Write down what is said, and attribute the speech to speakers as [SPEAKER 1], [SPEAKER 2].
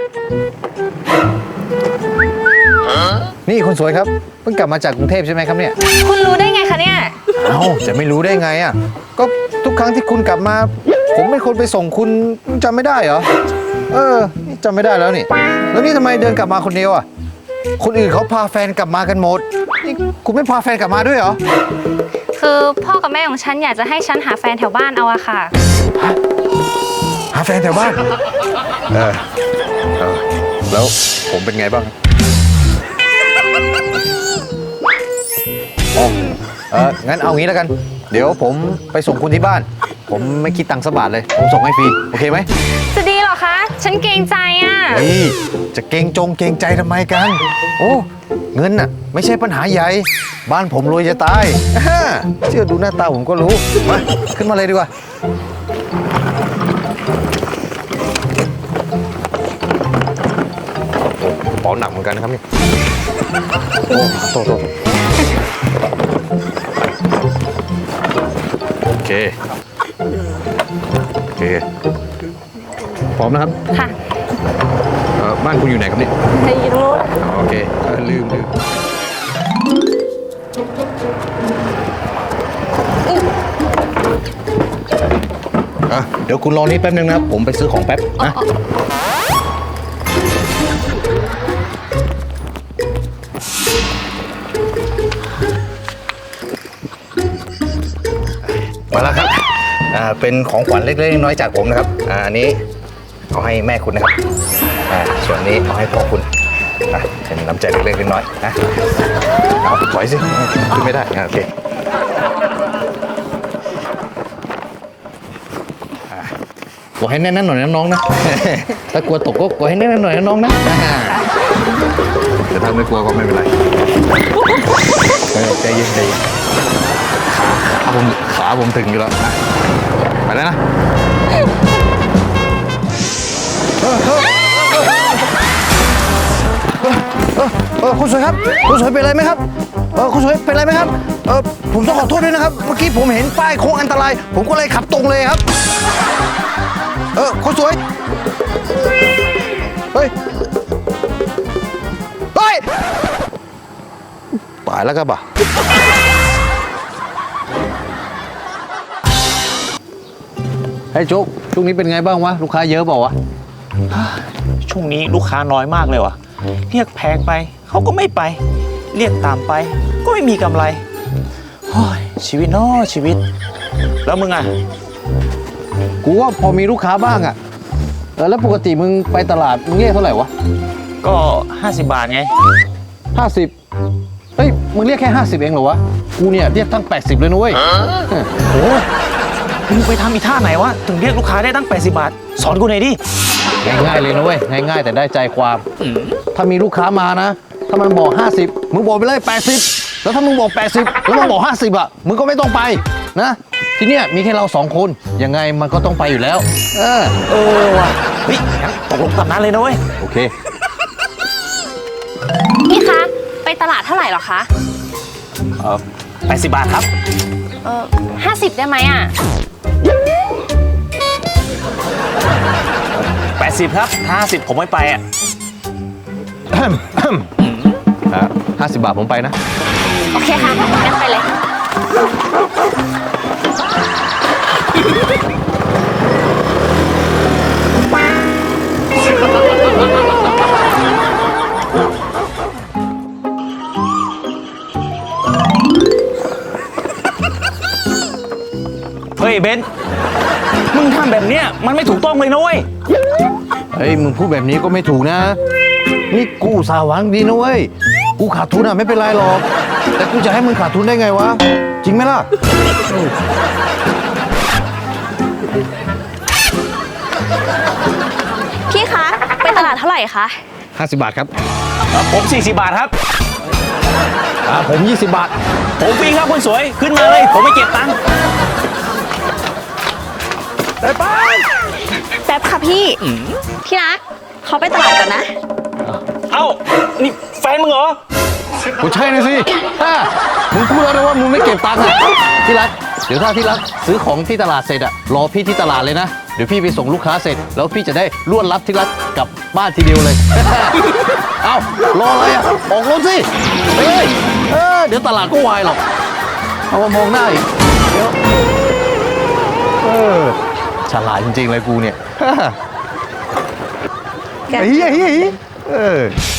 [SPEAKER 1] นี่คนสวยครับเพิ่งกลับมาจากกรุงเทพใช่ไหมครับเนี่ย
[SPEAKER 2] คุณรู้ได้ไงคะเนี่ย
[SPEAKER 1] เอ้าจะไม่รู้ได้ไงอ่ะก็ทุกครั้งที่คุณกลับมาผมเป็นคนไปส่งคุณจำไม่ได้เหรอจำไม่ได้แล้วนี่แล้วนี่ทำไมเดินกลับมาคนเดียวอ่ะคนอื่นเขาพาแฟนกลับมากันหมดนี่คุณไม่พาแฟนกลับมาด้วยเหรอ
[SPEAKER 2] คือพ่อกับแม่ของฉันอยากจะให้ฉันหาแฟนแถวบ้านเอาอะค่ะ
[SPEAKER 1] หาแฟนแถวบ้านแล้วผมเป็นไงบ้างงั้นเอางี้แล้วกันเดี๋ยวผมไปส่งคุณที่บ้านผมไม่คิดตังค์สักบาทเลยผมส่งให้ฟรีโอเคไหม
[SPEAKER 2] จะดีเหรอคะฉันเกรงใจอ่ะ
[SPEAKER 1] นี่จะเกรงใจทำไมกันโอ้เงินน่ะไม่ใช่ปัญหาใหญ่บ้านผมรวยจะตายเชื่อดูหน้าตาผมก็รู้มาขึ้นมาเลยดีกว่าโอ้กระเป๋าหนักเหมือนกันนะครับนี่โอ้โตโอเคพร้อมนะครับ
[SPEAKER 2] ค่ะ
[SPEAKER 1] บ้านคุณอยู่ไหนครับเนี่ย
[SPEAKER 2] อยู่ตรงนู้น
[SPEAKER 1] โอเคลืมเดี๋ยวคุณรอนี่แป๊บนึงนะครับผมไปซื้อของแป๊บนะมาแล้วครับเป็นของขวัญเล็กๆน้อยๆจากผมนะครับอันนี้เอาให้แม่คุณนะครับส่วนนี้เอาให้พ่อคุณเป็นน้ำใจเล็กๆน้อยๆนะเอาปล่อยสิขึ้นไม่ได้โอเคกดให้แน่นๆหน่อยนะน้องนะถ้ากลัวตกก็กดให้แน่นๆหน่อยนะน้องนะแต่ถ้าไม่กลัวก็ไม่เป็นไรใจเย็นขาผมถึงอยู่แล้วนะไปแล้วนะคุณสวยครับคุณสวยเป็นไรไหมครับคุณสวยเป็นไรไหมครับผมต้องขอโทษด้วยนะครับเมื่อกี้ผมเห็นป้ายโค้งอันตรายผมก็เลยขับตรงเลยครับคุณสวยเฮ้ยตายแล้วครับเฮ้ยจุ๊กช่วงนี้เป็นไงบ้างวะลูกค้าเยอะเปล่าวะ
[SPEAKER 3] ช่วงนี้ลูกค้าน้อยมากเลยวะเรียกแพงไปเขาก็ไม่ไปเรียกตามไปก็ไม่มีกำไรชีวิตน้อชีวิตแล้วมึงอ่ะ
[SPEAKER 1] กูว่าพอมีลูกค้าบ้างอ่ะแล้วปกติมึงไปตลาดมึงเรียกเท่าไหร่วะ
[SPEAKER 3] ก็50 บาทไง
[SPEAKER 1] 50เฮ้ยมึงเรียกแค่50เองเหรอวะกูเนี่ยเรียกตั้ง80เลยนะเว้ย
[SPEAKER 3] โอ้มึงไปทำอีท่าไหนวะถึงเรียกลูกค้าได้ตั้ง80 บาทสอนกูหน่อยดิ
[SPEAKER 1] ง่ายๆเลยนะเว้ยง่ายๆแต่ได้ใจความถ้ามีลูกค้ามานะถ้ามันบอก50มึงบอกไปเลย80แล้วถ้ามึงบอก80แล้วมันบอก50อ่ะมึงก็ไม่ต้องไปนะทีเนี้ยมีแค่เรา2คนยังไงมันก็ต้องไปอยู่แล้ว
[SPEAKER 3] ว่ะเฮ้ยงั้นตกลงตามนั้นเลยนะเว้ย
[SPEAKER 1] โอเค
[SPEAKER 2] พี่คะไปตลาดเท่าไหร่หรอคะ
[SPEAKER 3] 80 บาทครับ
[SPEAKER 2] 50ได้ไหมอ่ะ
[SPEAKER 3] 80ครับ50ผมไม่ไปอ่ะ
[SPEAKER 1] 50 บาทผมไปนะ
[SPEAKER 2] โอเคค่ะงั้นไปเลย
[SPEAKER 3] เฮ้ยเบนมึงทำแบบเนี้ยมันไม่ถูกต้องเลยนะเว้ย
[SPEAKER 1] เฮ้ยมึงพูดแบบนี้ก็ไม่ถูกนะนี่กูอุตส่าห์หวังดีนะเว้ยกูขาดทุนอ่ะไม่เป็นไรหรอกแต่กูจะให้มึงขาดทุนได้ไงวะจริงไหมล่ะ
[SPEAKER 2] พี่คะไปตลาดเท่าไหร่คะ
[SPEAKER 1] 50 บาทครับ
[SPEAKER 3] ผม40 บาทครับ
[SPEAKER 1] ผม20 บาท
[SPEAKER 3] ผมฟรีครับคุณสวยขึ้นมาเลยผมไม่เก็บตังค์
[SPEAKER 2] แป๊บค่ะพี่รักเขาไปตลาดกันนะ
[SPEAKER 3] เอ้านี่แฟนมึงเหรอ
[SPEAKER 1] กูใช่นะสิมึงพูดแล้วนะว่ามึงไม่เก็บตังค์อ่ะที่รักเดี๋ยวถ้าที่รักซื้อของที่ตลาดเสร็จอ่ะรอพี่ที่ตลาดเลยนะเดี๋ยวพี่ไปส่งลูกค้าเสร็จ แล้วพี่จะได้รวดรับที่รักกลับบ้านทีเดียวเลย เอ้ารออะไรอ่ะ ออกรถสิเฮ้ยเดี๋ยวตลาดก็วายหรอก เอามามองหน้าอีกเดี๋ยวฉลาดจริงๆเลยกูเนี่ย
[SPEAKER 2] แก
[SPEAKER 1] เฮ้ย